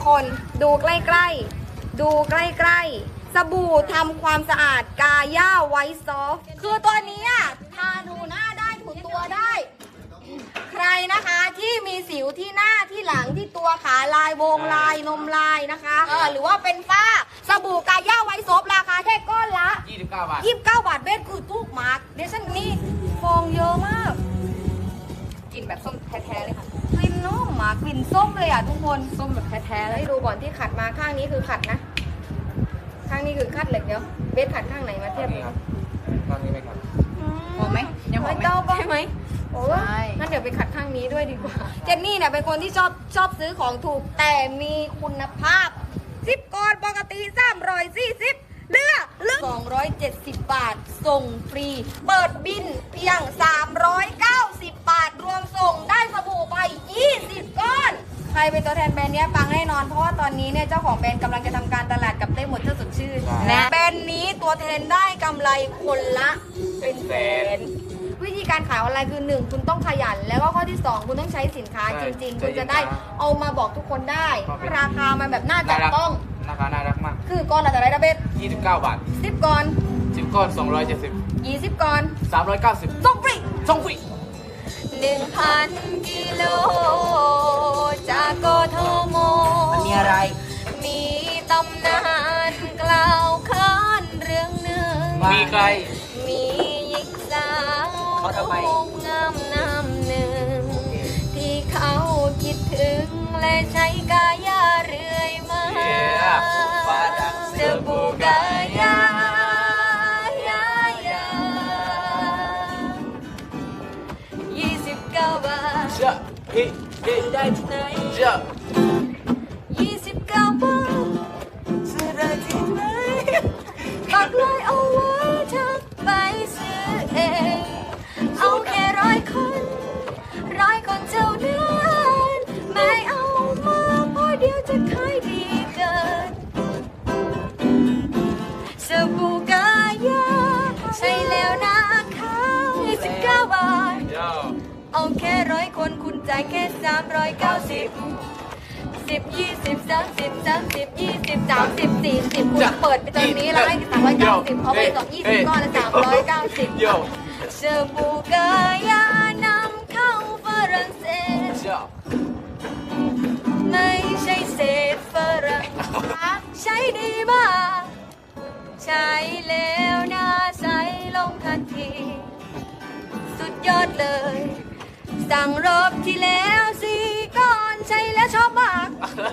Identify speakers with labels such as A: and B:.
A: คนดูใกล้ๆดูใกล้ๆสบู่ทำความสะอาดกาย่าไวท์ซอฟต์คือตัวนี้ทาถูหน้าได้ถูตัวได้ ใครนะคะที่มีสิวที่หน้าที่หลังที่ตัวขาลายวงลายนมลายนะคะหรือว่าเป็นฝ้าสบู่กาย่าไวท์ซอฟต์ราคาแค่ก้อนละ
B: 29 บาท
A: 29 บาทเบสคือทุกมาร์กเดชั่นนี่ฟองเยอะมากกลิ่นแบบส้มแท้ๆเลยค่ะกลิ่นนุ่มมากกลิ่นส้มเลยทุกคนส้มแบบแท้ๆเลยดูก่อนที่ขัดมาข้างนี้คือขัดนะข้างนี้คือขัดเหล็กเดียวเบสขัดข้างไหนมาเทียบกัน
B: ข้างนี้ไหมครับ
A: หอมไหมยังไม่เต้าใช่ไหมโอ้ยงั้นเดี๋ยวไปขัดข้างนี้ด้วยดีกว่าเจนนี่เนี่ยเป็นคนที่ชอบซื้อของถูกแต่มีคุณภาพ10ก้อนปกติ340เหลือ270 บาทส่งฟรีเปิดบินเพียง390 บาทรวมส่งได้สบู่ไป20 ก้อนใครเป็นตัวแทนแบรนด์นี้ปังแน่นอนเพราะว่าตอนนี้เนี่ยเจ้าของแบรนด์กำลังจะทำการตลาดกับเต้หมดเจ้าสดชื่นนะแบรนด์นี้ตัวแทนได้กำไรคนละเป็นแสนวิธีการขายออนไลน์คือ 1 คุณต้องขยันแล้วก็ข้อที่ 2 คุณต้องใช้สินค้าจริงๆคุณจะได้เอามาบอกทุกคนได้ราคามันแบบน่าจับต้อง
B: ราคาน่ารักมาก
A: คือก้อนละเท่าไหร่นะเบส
B: 29 บาท
A: 10 ก้อน
B: 10 ก้อน270
A: 20 ก้อน
B: 390
A: ส่งฟรี
B: 1,000
A: กิโลจากกทม
B: มันมีอะไร
A: มีตำนานกล่าวขานเรื่องหนึ่ง
B: มีใคร
A: มีหญิงสาวงามน้ำหนึ่งที่เขาคิดถึงและใช้กายาเรื่อยมาสบู่กายา29 บาท
B: ได้ที่ไหน
A: 29 บาทซื้อได้ที่ไหนปักลายเอาไว้ทักไปซื้อเองเอาแค่100 คนเท่านั้นไม่เอามาเพราะเดี๋ยวจะขายดีเกินสบู่กายาใช่แล้วนะคะ29 บาทเอาแค่100 คนคุณจ่ายแค่390 10 20 30 30 20 30 40คุณเปิดไปตอนนี้แล้วให้390เขาไปต่อ20 ก้อนละ390สบู่กายานำเข้าฝรั่งเศสไม่ใช่เศษฝรั่งใช้ดีมากใช้แล้วหน้าใสลงทันทีสุดยอดเลยสั่งรอบที่แล้ว4 ก้อนใช้แล้วชอบมาก